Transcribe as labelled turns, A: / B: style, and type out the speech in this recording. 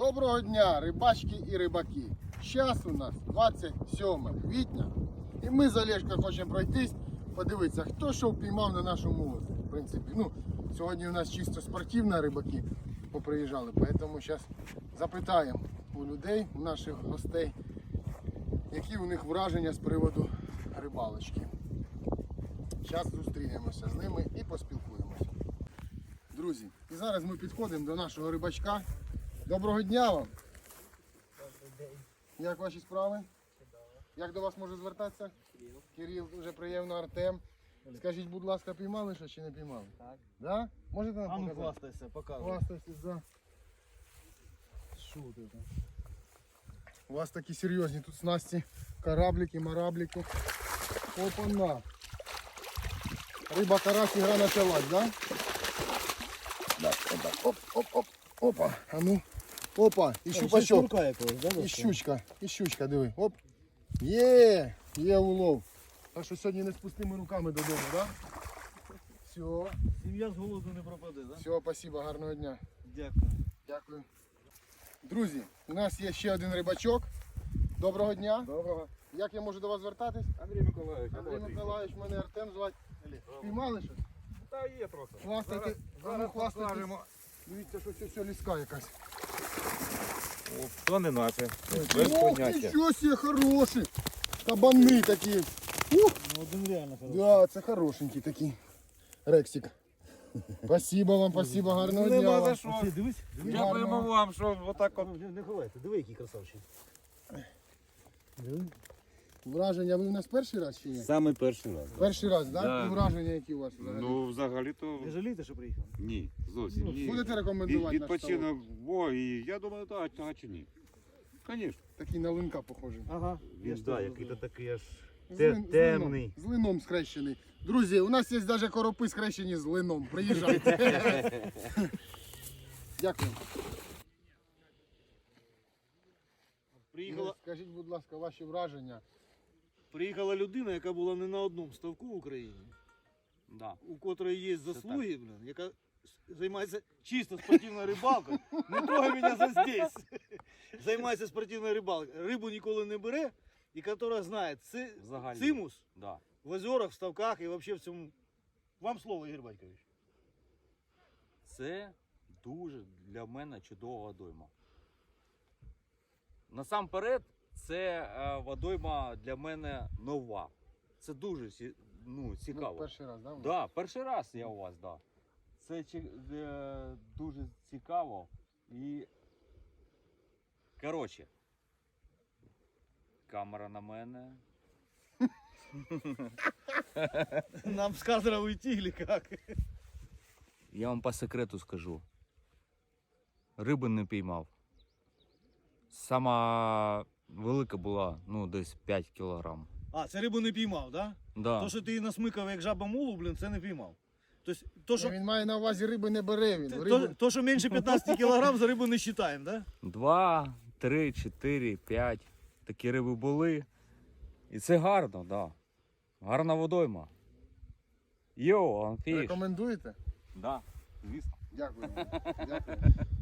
A: Доброго дня, рибачки і рибаки. Зараз у нас 27 квітня. І ми з Олешкою хочемо пройтись, подивитися, хто що впіймав на нашому озері. В принципі, сьогодні у нас чисто спортивні рибаки поприїжджали, тому зараз запитаємо у людей, у наших гостей, які у них враження з приводу рибалочки. Зараз зустрінемося з ними і поспілкуємося. Друзі, і зараз ми підходимо до нашого рибачка. Доброго дня вам!
B: Добрий день.
A: Як ваші справи?
B: Чудово.
A: Як до вас можу звертатися?
B: Кирил.
A: Кирил, дуже приємно, Артем. Скажіть, будь ласка, піймали що чи не піймали?
B: Так.
A: Да? Можете нам
C: А ну
A: показати?
C: хвастайся, показуй.
A: Хвастайтесь, да.
C: Що ти там?
A: У вас такі серйозні тут снасті, кораблики, мораблики. Опа-на. Риба карась, ігра почалась, да? Так, оп, оп, оп, опа. А ну, опа, і щупачок.
C: Шнурка якогось, да?
A: І щучка, диви. Оп. Є улов. Так що сьогодні не з пустими руками додому, да? Все,
C: Сім'я з голоду не пропаде, да?
A: все, спасибо, гарного дня.
C: Дякую.
A: Дякую. Друзі, у нас є ще один рибачок. Доброго дня.
D: Доброго.
A: Як я можу до вас звертатись?
D: Андрій Миколаївич.
A: Андрій Миколаївич, мене Артем звати. Піймали щось?
D: Та є трохи.
A: Хвастайте,
D: Зараз
A: хвастайтесь.
D: покажемо.
A: Дивіться, що це ліска якась.
D: То не наче. Без
A: Ох,
D: поняття.
A: нічого себе, хороші. Кабани такі. Ух.
C: Ну один реально хороший.
A: Да, це хорошенький такий. Рексик. Спасибо вам, спасибо, гарного дня.
D: Нема
A: вам.
D: за що.
C: Оці, дивись.
D: Дякуємо вам, що отак от.
C: Не ховайте, диви, який красавчик. Диви.
A: Враження ви в нас перший раз чи ні?
E: Саме перший раз.
A: Перший раз, так?
E: Да.
A: І враження які у вас взагалі?
E: Ну, взагалі-то
C: Не жалієте, що приїхав?
E: ні, зовсім ні.
A: Будете рекомендувати наш ставок?
E: Відпочинок, бо і я думаю, так, чи ні. Звісно.
A: Такий на линка похожий.
C: Ага.
E: Він, да, який-то такий аж
A: Темний. З лином скрещений. Друзі, у нас є навіть коропи скрещені з лином. Приїжджайте. Дякую. Скажіть, будь ласка, ваші враження.
C: Приїхала людина, яка була не на одному ставку в Україні,
E: Да.
C: у котрої є заслуги, яка займається чисто спортивною рибалкою. Не трогай мене за здесь. Займається спортивною рибалкою. Рибу ніколи не бере, і яка знає
E: Взагалі.
C: цимус
E: Да.
C: в озерах, в ставках і взагалі в цьому. Вам слово, Ігор Батькович.
F: Це дуже для мене чудова водойма. Насамперед, це водойма для мене нова. Це дуже цікаво.
A: Перший раз, так?
F: Да, перший раз я у вас, да. Це дуже цікаво і. Коротше, камера на мене.
C: Нам с кадра уйти или как?
F: Я вам по секрету скажу. Риби не піймав. Сама велика була, десь 5 кілограм.
C: А, це рибу не піймав, да?
F: Да.
C: То, що ти насмикав як жаба мулу, це не піймав. Тобто, то, що,
A: Він має на увазі риби не бере він.
C: то, що менше 15 кілограм, за рибу не вважаємо, да?
F: 2, 3, 4, 5. Такі риби були. І це гарно, так. Да. Гарна водойма. Йоу, анфіш.
A: Рекомендуєте?
F: Да, звісно.
A: Дякую. Дякую.